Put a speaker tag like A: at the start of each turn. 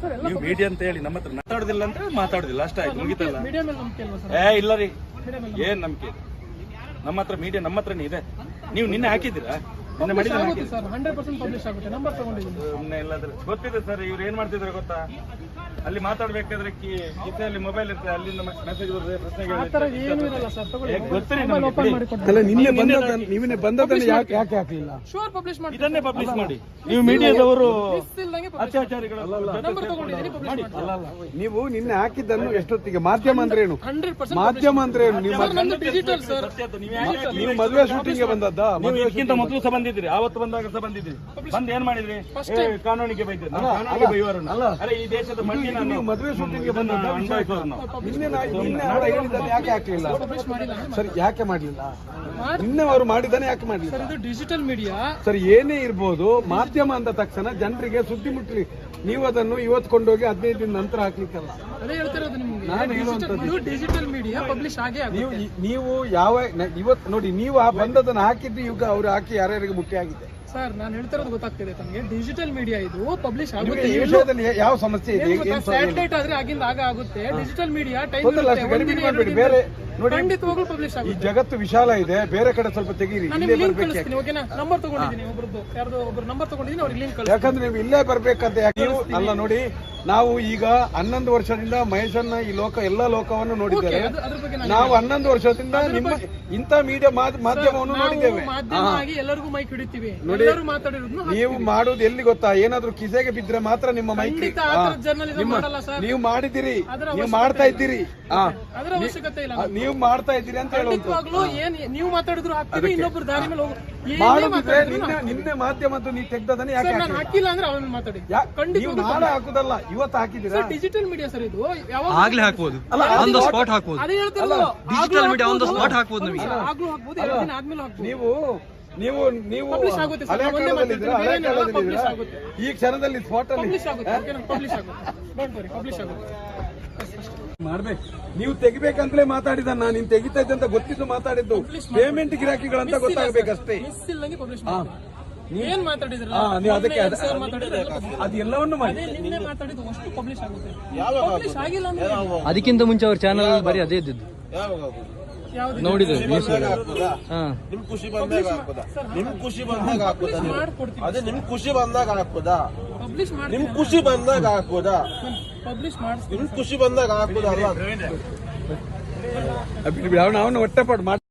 A: ನೀವು ಮೀಡಿಯಾ ಅಂತ ಹೇಳಿ ನಮ್ಮ ಹತ್ರ ಮಾತಾಡೋದಿಲ್ಲ ಅಂದ್ರೆ ಮಾತಾಡೋದಿಲ್ಲ ಅಷ್ಟೇ ಆಯ್ತು ಮುಗಿತಲ್ಲ. ಇಲ್ಲ ರೀ ಏನ್ ನಂಬಿಕೆ ನಮ್ಮ ಹತ್ರ ಮೀಡಿಯಾ ನಮ್ಮ ಹತ್ರನೇ ಇದೆ. ನೀವು ನಿನ್ನೆ ಹಾಕಿದ್ದೀರಾ? ನಿನ್ನೆ ಮಾಡಿದ್ರೆ ಗೊತ್ತಿದೆ ಸರ್. ಇವ್ರು ಏನ್ ಮಾಡ್ತಿದ್ರೆ ಗೊತ್ತಾ, ಅಲ್ಲಿ ಮಾತಾಡ್ಬೇಕಾದ್ರೆ ಕಿಸೆಯಲ್ಲಿ ಮೊಬೈಲ್ ಇರ್ತದೆ, ಅಲ್ಲಿಂದ ಮೆಸೇಜ್
B: ಅಲ್ಲ ನಿನ್ನೆ ಬಂದದನ್ನು ಯಾಕೆ ಹಾಕಲಿಲ್ಲ?
A: ಇದನ್ನೇ ಪಬ್ಲಿಷ್ ಮಾಡಿ. ನೀವು ಮೀಡಿಯಾದವರು ಅತ್ಯಾಚಾರಿಗಳು
B: ನೀವು ನಿನ್ನೆ ಹಾಕಿದ್ದನ್ನು ಎಷ್ಟೊತ್ತಿಗೆ ಮಾಧ್ಯಮ ಅಂದ್ರೆ ಏನು? ಮಾಧ್ಯಮ ಅಂದ್ರೆ ಏನು? ನೀವು ಮದುವೆ ಶೂಟಿಂಗ್ ಬಂದದ್ದ?
A: ಇದಕ್ಕಿಂತ ಮೊದಲು ಸಹ ಬಂದಿದ್ರಿ, ಆವತ್ತು ಬಂದಾಗ ಸಹ ಬಂದಿದ್ರಿ. ಬಂದು ಏನ್ ಮಾಡಿದ್ರಿ? ಕಾನೂನಿಗೆ ಬೈದ್ರಿ. ಕಾನೂನಿಗೆ ಬೈಯೋರನ್ನ. ಅರೆ ಈ ದೇಶದ ಮಣ್ಣಿನ
B: ನೀವು ಮದುವೆ ಶೂಟಿಂಗ್ ಬಂದದ್ದ? ನಿನ್ನೆ ಹೇಳಿದ್ದನ್ನು ಯಾಕೆ ಹಾಕಲಿಲ್ಲ ಸರ್? ಯಾಕೆ ಮಾಡಲಿಲ್ಲ? ನಿನ್ನೆ ಅವರು ಮಾಡಿದ್ದಾನೆ ಯಾಕೆ ಮಾಡಲಿಲ್ಲ?
C: ಡಿಜಿಟಲ್ ಮೀಡಿಯಾ
B: ಸರ್ ಏನೇ ಇರ್ಬೋದು, ಮಾಧ್ಯಮ ಅಂದ ತಕ್ಷಣ ಜನರಿಗೆ ಸುದ್ದಿ ಮುಟ್ಲಿ. ನೀವು ಅದನ್ನು ಇವತ್ತು ಕೊಂಡೋಗಿ 15 ದಿನ ನಂತರ ಹಾಕ್ಲಿಕ್ಕಲ್ಲ. ನಾನು ಹೇಳುವಂತದ್ದು
C: ಡಿಜಿಟಲ್ ಮೀಡಿಯಾ ಪಬ್ಲಿಷ್ ಆಗೇ
B: ನೀವು ಯಾವ ಇವತ್ತು ನೋಡಿ, ನೀವು ಆ ಬಂದದನ್ನು ಹಾಕಿದ್ದು ಈಗ ಅವ್ರು ಹಾಕಿ ಯಾರ್ಯಾರಿಗೆ ಮುಖ್ಯ ಆಗಿದೆ
C: ಸರ್. ನಾನು ಹೇಳ್ತಿರೋದು ಗೊತ್ತಾಗ್ತಿದೆ ತಮಗೆ. ಡಿಜಿಟಲ್ ಮೀಡಿಯಾ ಇದು ಪಬ್ಲಿಷ್ ಆಗುತ್ತೆ.
B: ಈ ವಿಷಯದಲ್ಲಿ ಯಾವ ಸಮಸ್ಯೆ ಇದೆ?
C: ಸ್ಯಾಟಲೈಟ್ ಆದ್ರೆ ಆಗಿಂದ ಆಗುತ್ತೆ. ಡಿಜಿಟಲ್ ಮೀಡಿಯಾ
B: ಬೇರೆ ನೋಡಿ,
C: ಖಂಡಿತವಾಗ್ಲೂ ಪಬ್ಲಿಷ್ ಆಗುತ್ತೆ.
B: ಈ ಜಗತ್ತು ವಿಶಾಲ ಇದೆ, ಬೇರೆ ಕಡೆ ಸ್ವಲ್ಪ ತೆಗೀರಿ.
C: ಓಕೆನಾ? ನಂಬರ್ ತಗೊಂಡಿದ್ದೀನಿ, ಒಬ್ರು ನಂಬರ್ ತಗೊಂಡಿದ್ದೀನಿ, ಅವ್ರಿಗೆ ಲಿಂಕ್ ಕಳಿಸ್ತೀನಿ.
B: ಯಾಕಂದ್ರೆ ನೀವು ಇಲ್ಲೇ ಬರ್ಬೇಕಂತ ಯಾಕೆ ಅಲ್ಲ. ನೋಡಿ, ನಾವು ಈಗ 11 ವರ್ಷದಿಂದ ಮಹೇಶನ್ನ ಈ ಎಲ್ಲಾ ಲೋಕವನ್ನು ನೋಡಿದ್ದೇವೆ. ನಾವು 11 ವರ್ಷದಿಂದ ನಿಮ್ಮ ಇಂಥ ಮೀಡಿಯಾ ಮಾಧ್ಯಮವನ್ನು ನೋಡಿದ್ದೇವೆ.
C: ಎಲ್ಲರಿಗೂ ಮೈಕ್ ಹಿಡಿತೀವಿ.
B: ನೋಡಿ, ನೀವು ಮಾಡೋದು ಎಲ್ಲಿ ಗೊತ್ತಾ? ಏನಾದ್ರೂ ಕಿಸೆಗೆ ಬಿದ್ರೆ ಮಾತ್ರ ನಿಮ್ಮ ಮೈಕ್ ನೀವು ಮಾಡಿದಿರಿ, ನೀವು ಮಾಡ್ತಾ ಇದ್ದೀರಿ, ನೀವು ಮಾಡ್ತಾ ಇದ್ದೀರಿ ಅಂತ ಹೇಳುವುದು.
C: ನೀವು ಮಾತಾಡಿದ್ರು ಇನ್ನೊಬ್ರು ದಾರಿ ಮೇಲೆ
B: ಮಾಡುದಿದ್ರೆ ನಿನ್ನೆ ಮಾಧ್ಯಮದ್ದು ನೀವು ತೆಗ್ದದನ್ನ ಯಾಕೆ
C: ಹಾಕಿಲ್ಲ ಅಂದ್ರೆ ಅವನು ಮಾತಾಡಿ.
B: ನೀವು ನಾಳೆ ಹಾಕುದಲ್ಲ, ಇವತ್ತು ಹಾಕಿದ್ದೀರಾ?
C: ಡಿಜಿಟಲ್ ಮೀಡಿಯಾ ಸರ್ ಇದು
D: ಆಗ್ಲೇ ಹಾಕ್ಬೋದು, ಆನ್ ದ ಸ್ಪಾಟ್ ಹಾಕ್ಬೋದು. Digital media on the spot ಹಾಕ್ಬೋದು. ನಮಗೆ
C: ಆಗ್ಲೂ ಹಾಕ್ಬೋದು, 2 ದಿನ ಆದ್ಮೇಲೆ ಹಾಕ್ಬೋದು.
B: ನೀವು ಹಳೆ ಕಾಲದಲ್ಲಿದ್ದೀರಾ? ಹಳೆ ಕಾಲದಲ್ಲಿದ್ದೀರಾ? ಈ ಕ್ಷಣದಲ್ಲಿ ಸ್ಪಾಟ್ ಅಲ್ಲಿ ಮಾಡ್ಬೇಕು. ನೀವು ತೆಗಿಬೇಕಂತಲೇ ಮಾತಾಡಿದ, ನಾನು ನೀನ್ ತೆಗಿತಾ ಇದ್ದೆ ಅಂತ ಗೊತ್ತಿದ್ದು ಮಾತಾಡಿದ್ದು. ಪೇಮೆಂಟ್ ಗಿರಾಕಿಗಳಂತ ಗೊತ್ತಾಗಬೇಕಷ್ಟೇ.
C: ಏನ್ ಮಾತಾಡಿದ್ರೆ
B: ನೀವು ಅದಕ್ಕೆ ಅದು ಎಲ್ಲವನ್ನು ಮಾಡಿ.
D: ಅದಕ್ಕಿಂತ ಮುಂಚೆ ಅವ್ರ ಚಾನಲ್ ಬರೀ ಅದೇ ಇದ್ದಿದ್ದು ನೋಡಿದ್ರು.
E: ನಿಮ್ ಖುಷಿ ಬಂದಾಗ ಹಾಕೋದಾ? ನಿಮ್ ಖುಷಿ ಬಂದಾಗ ಹಾಕೋದಾ? ಅದೇ ನಿಮ್ ಖುಷಿ ಬಂದಾಗ ಹಾಕೋದಾ? ನಿಮ್ ಖುಷಿ ಬಂದಾಗ ಹಾಕೋದಾ? ನಿಮ್ ಖುಷಿ ಬಂದಾಗ ಹಾಕೋದಾ? ಅಲ್ಲ
B: ಅವನು ಹೊಟ್ಟೆಪಾಡು ಮಾಡಿ.